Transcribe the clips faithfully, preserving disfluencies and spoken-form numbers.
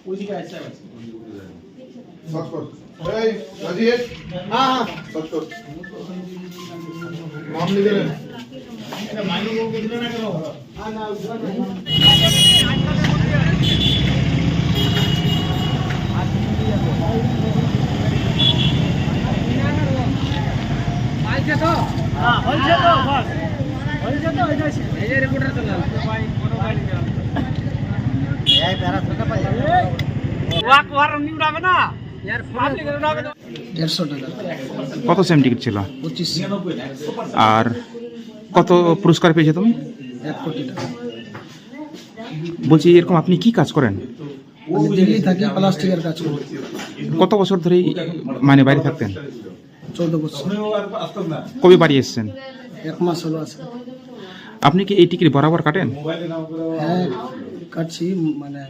কত same ticket ছিল? পঁচিশ। আর কত পুরস্কার পেয়েছো তুমি? এক কোটি টাকা। বলছি এরকম আপনি কি কাজ করেন? আমি দিল্লি থাকি, প্লাস্টিকের কাজ করি। কত বছর ধরে মানে বাইরে থাকতেন? চৌদ্দ বছর। কবে বাড়ি এসেছেন? এক মাস হলো আছে। আপনি কি এই টিকিট বরাবর কাটেন? হ্যাঁ কাটছি। মানে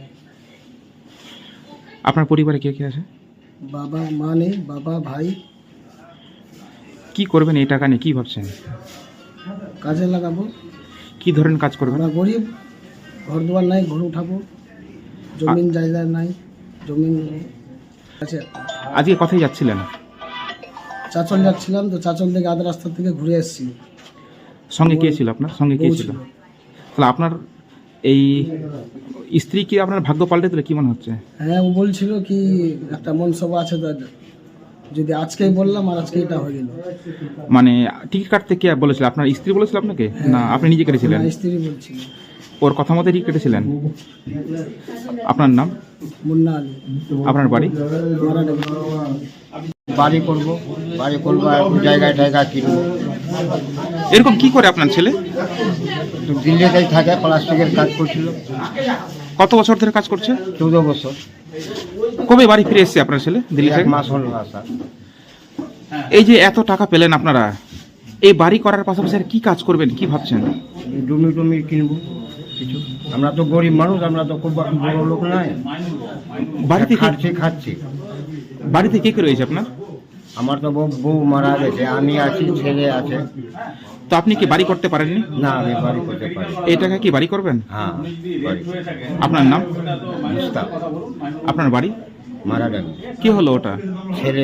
আপনার পরিবারে কে কে আছে? বাবা মা নেই, বাবা ভাই। কি করবেন এই টাকা নিয়ে, কি ভাবছেন? কাজে লাগাবো। কি ধরনের কাজ করবেন? আমরা গরিব, ঘর দুয়ার নাই, ঘর উঠাবো। জমিন জায়গা নাই, জমিন আছে। আজকে কোথায় যাচ্ছিলেন? চাচল যাচ্ছিলাম, তো চাচল থেকে আধা রাস্তা থেকে ঘুরে এসেছি। সঙ্গে কে ছিল আপনার? সঙ্গে কে ছিল? তাহলে আপনার এই স্ত্রী কি আপনার ভাগ্য পাল্টে দিলে কি মনে হচ্ছে? হ্যাঁ, ও বলছিল কি একটা মনসভা আছে, তো যদি আজকেই বললাম আর আজকে এটা হয়ে গেল। মানে টিকিট কাটতে কে বলেছিল? আপনার স্ত্রী বলেছিল আপনাকে না আপনি নিজে কেটেছিলেন? স্ত্রী বলছিল। ওর কথা মতো টিকিট কেটেছিলেন? আপনার নাম? মুন্না আলী। আপনার বাড়ি? বাড়ি করব, বাড়ি করবো, জায়গায় জায়গা কিনবো। এরকম কি করে আপনার ছেলে? তো দিল্লিতেই থাকে, প্লাস্টিকের কাজ করছিল। কত বছর ধরে কাজ করছে? চৌদ্দ বছর। কবে বাড়ি ফিরে এসেছে আপনার ছেলে দিল্লি এক থেকে? মাস হলো আসা। এই যে এত টাকা পেলেন আপনারা, এই বাড়ি করার পাশাপাশি আর কি কাজ করবেন, কি ভাবছেন? জমি টমি কিনবো কিছু। আমরা তো গরিব মানুষ, আমরা তো খুব বড় লোক নাই। বাড়িতে কে- খাচ্ছি খাচ্ছি বাড়িতে কে কে রয়েছে আপনার? আমার তো বউ বউ মারা গেছে, আমি আছি, ছেলে আছে। তো আপনি কি বাড়ি করতে পারেননি? না, আমি বাড়ি করতে পারি। এই টাকা কি বাড়ি করবেন? হ্যাঁ, বাড়ি। আপনার নাম? মুস্তাক। আপনার বাড়ি? মারা গেল। কি হলো ওটা? ছেলে।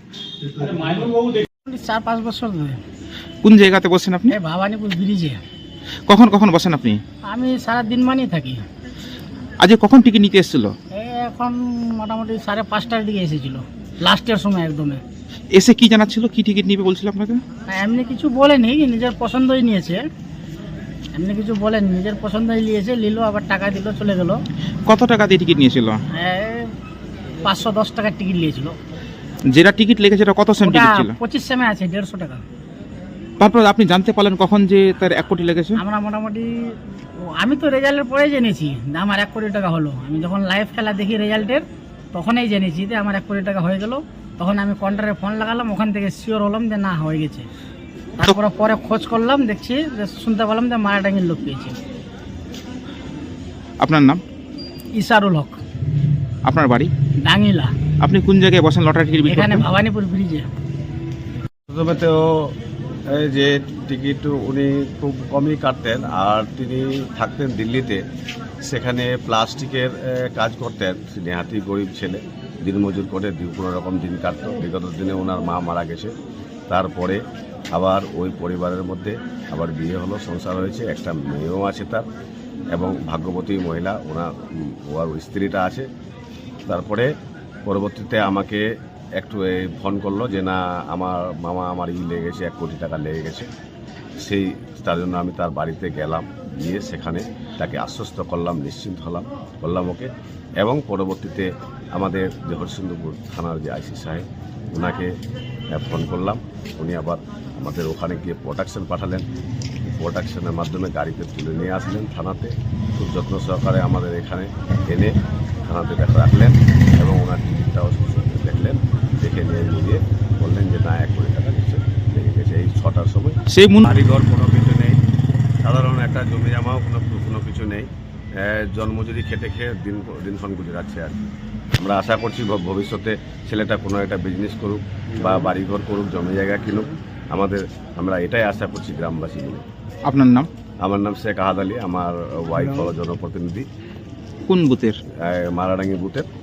চার পাঁচ বছর ধরে। কোন জায়গাতে বসেন আপনি? এই ভবানীপুর ব্রিজে। কখন কখন বসেন আপনি? আমি সারা দিন মানেই থাকি। আজকে কখন টিকিট নিতে এসেছিল? এই এখন মোটামুটি সাড়ে পাঁচটার দিকে এসেছিল, লাস্টের সময় একদমে। এসে কি জানাচ্ছিল, কি টিকিট নিবে বলছিল আপনাকে? না, এমনি কিছু বলেনি, নিজের পছন্দই নিয়েছে। এমনি কিছু বলেনি, নিজের পছন্দই নিয়েছে, নিল, আবার টাকা দিল, চলে গেল। কত টাকা দিয়ে টিকিট নিয়েছিল? পাঁচশো দশ টাকার টিকিট নিয়েছিল। যেটা টিকিট লেগেছে এটা কত সেম টিকিট ছিল? পঁচিশ সেমে আছে, দেড়শো টাকা। তারপর আপনি জানতে পারলেন কখন যে তার এক কোটি লেগেছে? আমরা মোটামুটি ও, আমি তো রেজাল্টের পরেই জেনেছি যে আমার এক কোটি টাকা হলো। আমি যখন লাইভ খেলা দেখি রেজাল্টের, তখনই জেনেছি যে আমার এক কোটি টাকা হয়ে গেল। তখন আমি কাউন্টারে ফোন লাগালাম, ওখান থেকে শিওর হলাম যে না, হয়ে গেছে। তারপরে পরে খোঁজ করলাম, দেখছি যে শুনতে পেলাম যে মারাটাঙ্গির লোক পেয়েছে। আপনার নাম? ইসারুল হক। আপনার বাড়ি? ডাঙ্গিলা। আপনি কোন জায়গায় বসেন লটারি টিকিট বিক্রি এখানে করতে? ভবানীপুর ব্রিজে। প্রথমে তো এই যে টিকিট উনি খুব কমই কাটতেন, আর তিনি থাকতেন দিল্লিতে। সেখানে প্লাস্টিকের এ, কাজ করতেন। নেহাতি গরিব ছেলে, দিনমজুর করে কোনো রকম দিন কাটতো। বিগত দিনে ওনার মা মারা গেছে, তারপরে আবার ওই পরিবারের মধ্যে আবার বিয়ে হলো, সংসার হয়েছে, একটা মেয়েও আছে তার, এবং ভাগ্যবতী মহিলা ওনার ওর স্ত্রীটা আছে। তারপরে পরবর্তীতে আমাকে একটু এই ফোন করলো যে না, আমার মামা আমার ই লেগে গেছে, এক কোটি টাকা লেগে গেছে। সেই তার জন্য আমি তার বাড়িতে গেলাম, গিয়ে সেখানে তাকে আশ্বস্ত করলাম, নিশ্চিন্ত হলাম করলাম ওকে। এবং পরবর্তীতে আমাদের যে হরিশ্চন্দ্রপুর থানার যে আইসি সাহেব, ওনাকে ফোন করলাম। উনি আবার আমাদের ওখানে গিয়ে প্রোটেকশন পাঠালেন। প্রোটেকশনের মাধ্যমে গাড়িতে তুলে নিয়ে আসলেন থানাতে। খুব যত্ন সহকারে আমাদের এখানে এনে থানাতে দেখা রাখলেন, এবং ওনার টিকিটটাও দেখলেন। দেখে নিয়ে নিয়ে বললেন যে না, এক কোটি টাকা নিচে লেগে গেছে। এই ছটার সময় সেই মুন বাড়িঘর কোনো কিছু নেই, সাধারণ একটা জমি জামাও কোনো কোনো কিছু নেই। জন্মজুরি খেটে খেয়ে দিন দিনক্ষণ গুজরাচ্ছে আর কি। আমরা আশা করছি ভবিষ্যতে ছেলেটা কোনো একটা বিজনেস করুক বা বাড়িঘর করুক, জমি জায়গা কিনুক। আমাদের আমরা এটাই আশা করছি গ্রামবাসী মিলে। আপনার নাম? আমার নাম শেখ আহাদ আলী, আমার ওয়াইফ হলো জনপ্রতিনিধি কোন বুথের? মারাডাঙ্গি বুথের।